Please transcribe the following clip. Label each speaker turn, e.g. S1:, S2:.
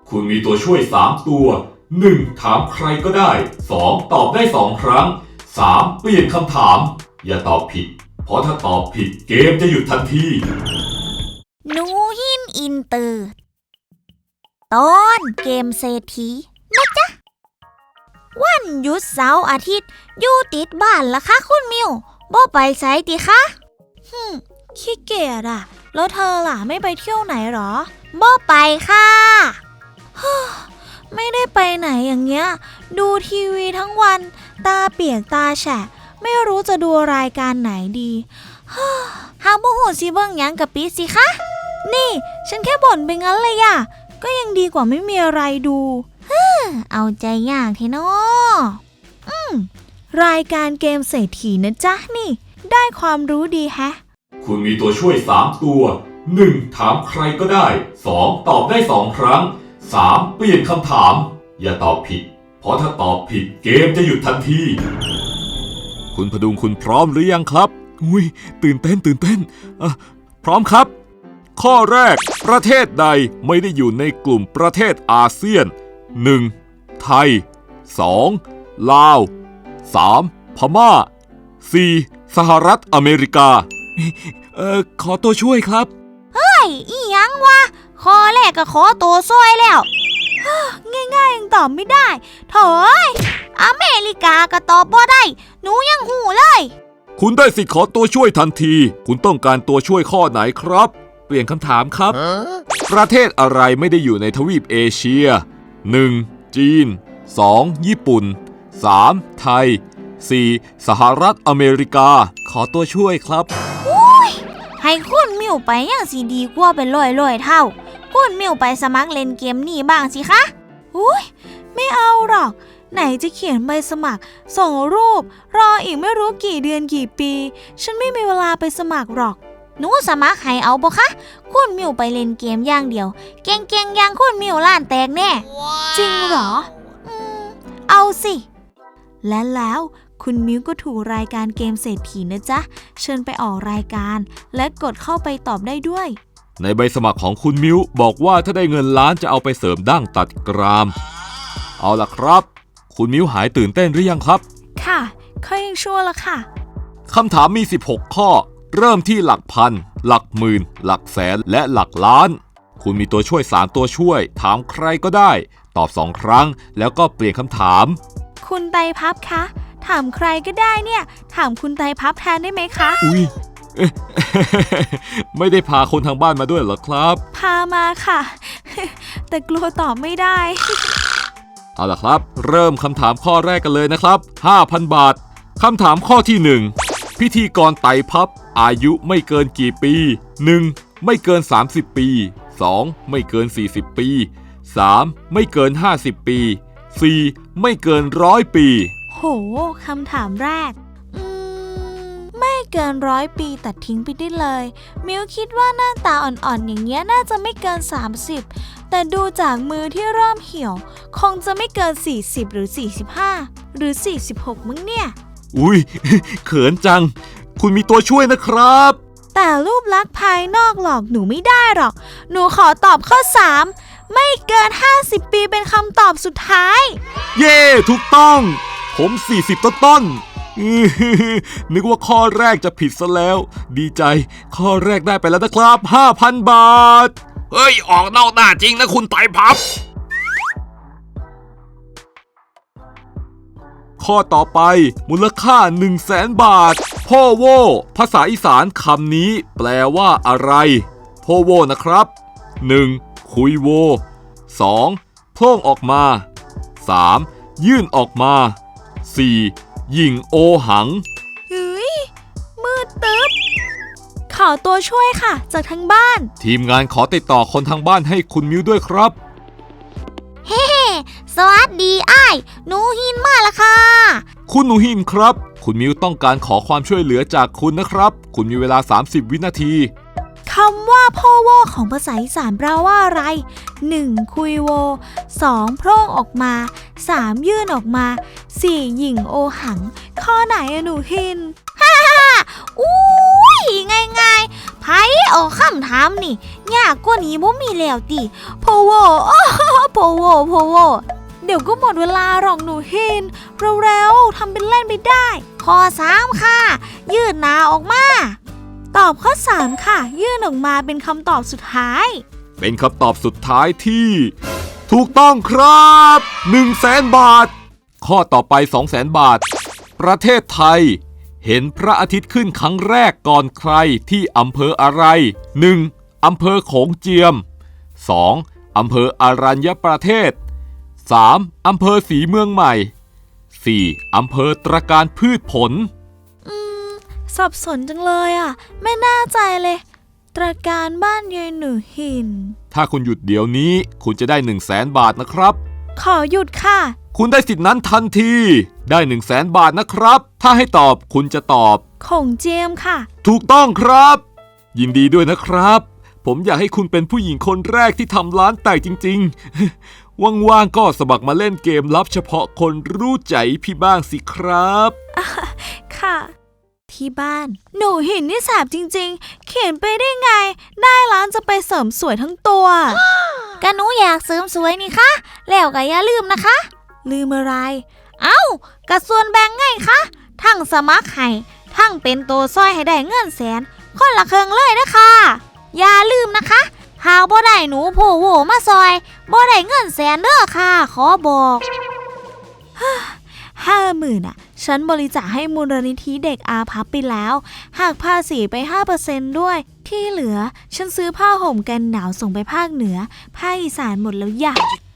S1: คุณมีตัวช่วย3ตัว 1. ถามใครก็ได้ 2. ตอบได้2ครั้ง 3. เปลี่ยนคำถามอย่าตอบผิดเพราะถ้าตอบผิดเกมจะหยุดทันที
S2: หนูหินอินเตอร์ตอนเกมเศรษฐีนะจ๊ะวันหยุดเสาร์อาทิตย์อยู่ติดบ้านละคะคุณมิวบ่ไปไสติคะขี้เกียจอะแล้วเธอล่ะไม่ไปเที่ยวไหนหรอบ่ไปค่ะไม่ได้ไปไหนอย่างเงี้ยดูทีวีทั้งวันตาเปียกตาแฉะไม่รู้จะดูรายการไหนดีหาบ่ฮู้สิเบิ่งหยังกะปิสิคะนี่ฉันแค่บ่นไปงั้นเลยอะก็ยังดีกว่าไม่มีอะไรดูเอาใจยากเทเนาะรายการเกมเศรษฐีนะจ๊ะนี่ได้ความรู้ดีแฮะ
S1: คุณมีตัวช่วย3ตัว 1. ถามใครก็ได้ 2. ตอบได้2ครั้ง 3. เปลี่ยนคำถามอย่าตอบผิดเพราะถ้าตอบผิดเกมจะหยุดทันทีคุณพดุงคุณพร้อมหรือยังครับอุ้ยตื่นเต้นพร้อมครับข้อแรกประเทศใดไม่ได้อยู่ในกลุ่มประเทศอาเซียน 1. ไทย 2. ลาว 3. พม่า 4. สหรัฐอเมริกาขอตัวช่วยครับ
S2: อีหยังวะข้อแรกก็ขอตัวช่วยแล้วง่ายๆยังตอบไม่ได้โถ่อเมริกาก็ตอบบ่ได้หนูยังหูเลย
S1: คุณได้สิทธิ์ขอตัวช่วยทันทีคุณต้องการตัวช่วยข้อไหนครับเปลี่ยนคำถามครับประเทศอะไรไม่ได้อยู่ในทวีปเอเชีย 1. จีน 2. ญี่ปุ่น 3. ไทย 4. สหรัฐอเมริกาขอตัวช่วยครับ
S2: ให้คุณมิวไปอย่างสีดีกว่าเป็นร้อยเท่าคุณมิวไปสมัครเล่นเกมนี้บ้างสิคะไม่เอาหรอกไหนจะเขียนใบสมัครส่งรูปรออีกไม่รู้กี่เดือนกี่ปีฉันไม่มีเวลาไปสมัครหรอกหนูสมัครให้เอาบ่คะคุณมิวไปเล่นเกมอย่างเดียวเก่งๆอย่างคุณมิวล้านแตกแน่ จริงเหรอเอาสิและแล้วคุณมิวก็ถูกรายการเกมเศรษฐีนะจ๊ะเชิญไปออกรายการและกดเข้าไปตอบได้ด้วย
S1: ในใบสมัครของคุณมิวบอกว่าถ้าได้เงินล้านจะเอาไปเสริมดั้งตัดกรามเอาล่ะครับคุณมิวหายตื่นเต้นหรือยังครับ
S2: ค่ะค่อยยังชั่วละค่ะ
S1: คำถามมี16ข้อเริ่มที่หลักพันหลักหมื่นหลักแสนและหลักล้านคุณมีตัวช่วย3ตัวช่วยถามใครก็ได้ตอบ2ครั้งแล้วก็เปลี่ยนคำถาม
S2: คุณไตรภัพคะถามใครก็ได้เนี่ยถามคุณไตรภัพแทนได้ไหมคะ
S1: อุ๊ยไม่ได้พาคนทางบ้านมาด้วยเหรอครับ
S2: พามาค่ะแต่กลัวตอบไม่ได้
S1: เอาล่ะครับเริ่มคำถามข้อแรกกันเลยนะครับ 5,000 บาทคำถามข้อที่1พิธีกรไตรภัพอายุไม่เกินกี่ปี 1. ไม่เกิน30ปี 2. ไม่เกิน40ปี 3. ไม่เกิน50ปี 4. ไม่เกิน100ปี
S2: โหคำถามแรกไม่เกิน100ปีตัดทิ้งไปได้เลยมิวคิดว่าหน้าตาอ่อนๆอย่างเงี้ยน่าจะไม่เกิน30แต่ดูจากมือที่เริ่มเหี่ยวคงจะไม่เกิน40หรือ45หรือ46มั้งเนี่ย
S1: อุ๊ยเขินจังคุณมีตัวช่วยนะครับ
S2: แต่รูปลักษณ์ภายนอกหลอกหนูไม่ได้หรอกหนูขอตอบข้อ3ไม่เกิน50ปีเป็นคำตอบสุดท้าย
S1: เย้ถูกต้องผม40ต้นนึกว่าข้อแรกจะผิดซะแล้วดีใจข้อแรกได้ไปแล้วนะครับ 5,000 บาทเฮ้ยออกนอกหน้าจริงนะคุณไตรภัพข้อต่อไปมูลค่า 100,000 บาทพ่อโว่ภาษาอีสานคำนี้แปลว่าอะไรพ่อโว่นะครับ 1. คุยโว 2. โพล่งออกมา 3. ยื่นออกมา 4. หยิ่งโอหัง
S2: มืดตึ๊บขอตัวช่วยค่ะจากทางบ้าน
S1: ทีมงานขอติดต่อคนทางบ้านให้คุณมิวด้วยครับ
S2: เฮ้สวัสดีอ้ายหนูหินมาละค่ะ
S1: คุณหนูหินครับคุณมิวต้องการขอความช่วยเหลือจากคุณนะครับคุณมีเวลา30วินาที
S2: คำว่าพ่อโวของภาษาอีสานแปลว่าอะไร 1. คุยโว 2. โพร่งออกมา 3. ยื่นออกมา 4. หยิ่งโอหังข้อไหนอะหนูหินอุ้ยง่ายๆไพ่เอาคำถามนี่ยากกว่านี้บ่มีแล้วติพ่อโวพ่อยวก็หมดเวลาหรอกหนูหินเร็วๆทำเป็นเล่นไปได้ข้อ3ค่ะยืดหน้าออกมาตอบข้อ3ค่ะยื่นออกมาเป็นคำตอบสุดท้าย
S1: เป็นคำตอบสุดท้ายที่ถูกต้องครับ 100,000 บาทข้อต่อไป 200,000 บาทประเทศไทยเห็นพระอาทิตย์ขึ้นครั้งแรกก่อนใครที่อำเภออะไร 1. อำเภอโขงเจียม 2. อำเภออรัญญประเทศ 3. อำเภอศรีเมืองใหม่ 4. อำเภอตระการพืชผล
S2: สับสนจังเลยอ่ะไม่น่าใจเลยตระการบ้านยายหนูหิน
S1: ถ้าคุณหยุดเดี๋ยวนี้คุณจะได้ 100,000 บาทนะครับ
S2: ขอหยุดค่ะ
S1: คุณได้สิทธินั้นทันทีได้ 100,000 บาทนะครับถ้าให้ตอบคุณจะตอบ
S2: โขงเจียมค่ะ
S1: ถูกต้องครับยินดีด้วยนะครับผมอยากให้คุณเป็นผู้หญิงคนแรกที่ทำร้านแตกจริงๆว่างๆก็สมัครมาเล่นเกมลับเฉพาะคนรู้ใจพี่บ้างสิครับ
S2: ค่ะที่บ้านหนูหินนี่แสบจริงๆเขียนไปได้ไงได้ร้านจะไปเสริมสวยทั้งตัวก็หนูอยากเสริมสวยนี่คะแล้วก็อย่าลืมนะคะลืมอะไรเอ้ากระส่วนแบ่งไงคะทั้งสมัครให้ทั้งเป็นตัวซอยให้ได้เงินแสนคนละครึ่งเลยนะคะอย่าลืมนะคะหากบ่ได้หนูโผล่โหมาซอยบ่ได้เงินแสนเด้อค่ะขอบอก50,000อ่ะฉันบริจาคให้มูลนิธิเด็กอาภัพไปแล้วหากภาษีไป 5% ด้วยที่เหลือฉันซื้อผ้าห่มกันหนาวส่งไปภาคเหนือภาคอีสานหมดแล้วอย่า